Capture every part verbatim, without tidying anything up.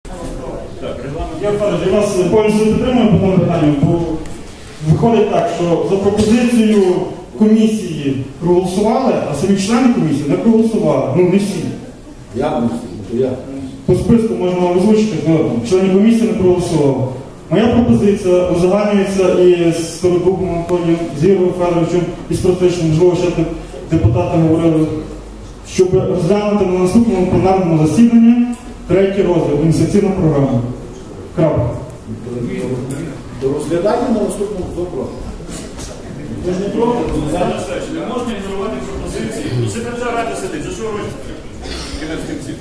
Я впевнений, я вас повністю підтримую по тому питанню, бо виходить так, що за пропозицію комісії проголосували, а самі члени комісії не проголосували. Ну, не всі. Я не всі, я. По списку можна вам озвучити, хто члени комісії не проголосували. Моя пропозиція узагальнюється і з Стародубом Антонієм, з Ігорем Федоровичем, і з практично, можливо, ще депутати говорили, щоб розглянути на наступному пленарному засіданні третій розділ, ініціативна програма. Крапка. До розглядання на наступному запрошу. Ви ж не проти? Не можна ігнорувати пропозиції. Ну, секретар ради сидить, за що робити? Кінець кінців.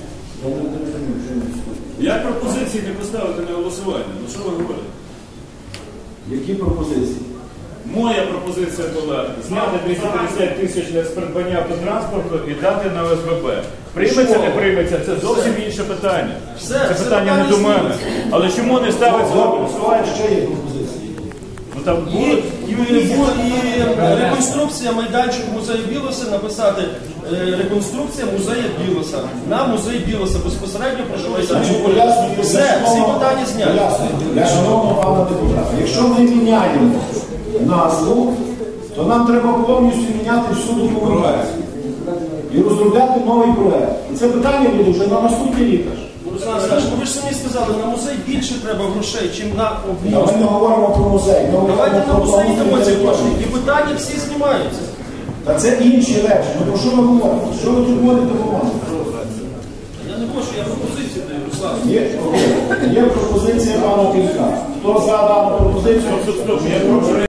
Як пропозиції не поставити на голосування? Ну що ви говорите? Які пропозиції? Моя пропозиція була зняти двісті п'ятдесят тисяч з придбання автотранспорту і дати на О С Б Б. Прийметься, не прийметься, це зовсім інше питання. Це питання не до мене. Але чому не ставиться на голосування? Ще є пропозиції. Ну там І, будуть. і, і, і реконструкція майданчику музею Білоса, написати е, реконструкція музею Білоса. На музей Білоса безпосередньо проживається. Все, всі питання зняті. Для шановного пана депутата, якщо ми міняємо назву, то нам треба повністю міняти всю документацію. І розробляти новий проект. І це питання буде вже на наступний рік. Руслан Олександрович, ви ж самі сказали, на музей більше треба грошей, ніж на Ми об'їзд. не говоримо про музей. Ми Давайте на музей йдемо ці гроші. території. І питання всі знімаються. Та це інші речі. Ну про що ми говоримо? Що ви тут говорите про мене? Я не можу, я пропозицію даю, Руслан. Є, окей. Є пропозиція пана Кілька. Хто за дану пропозицію?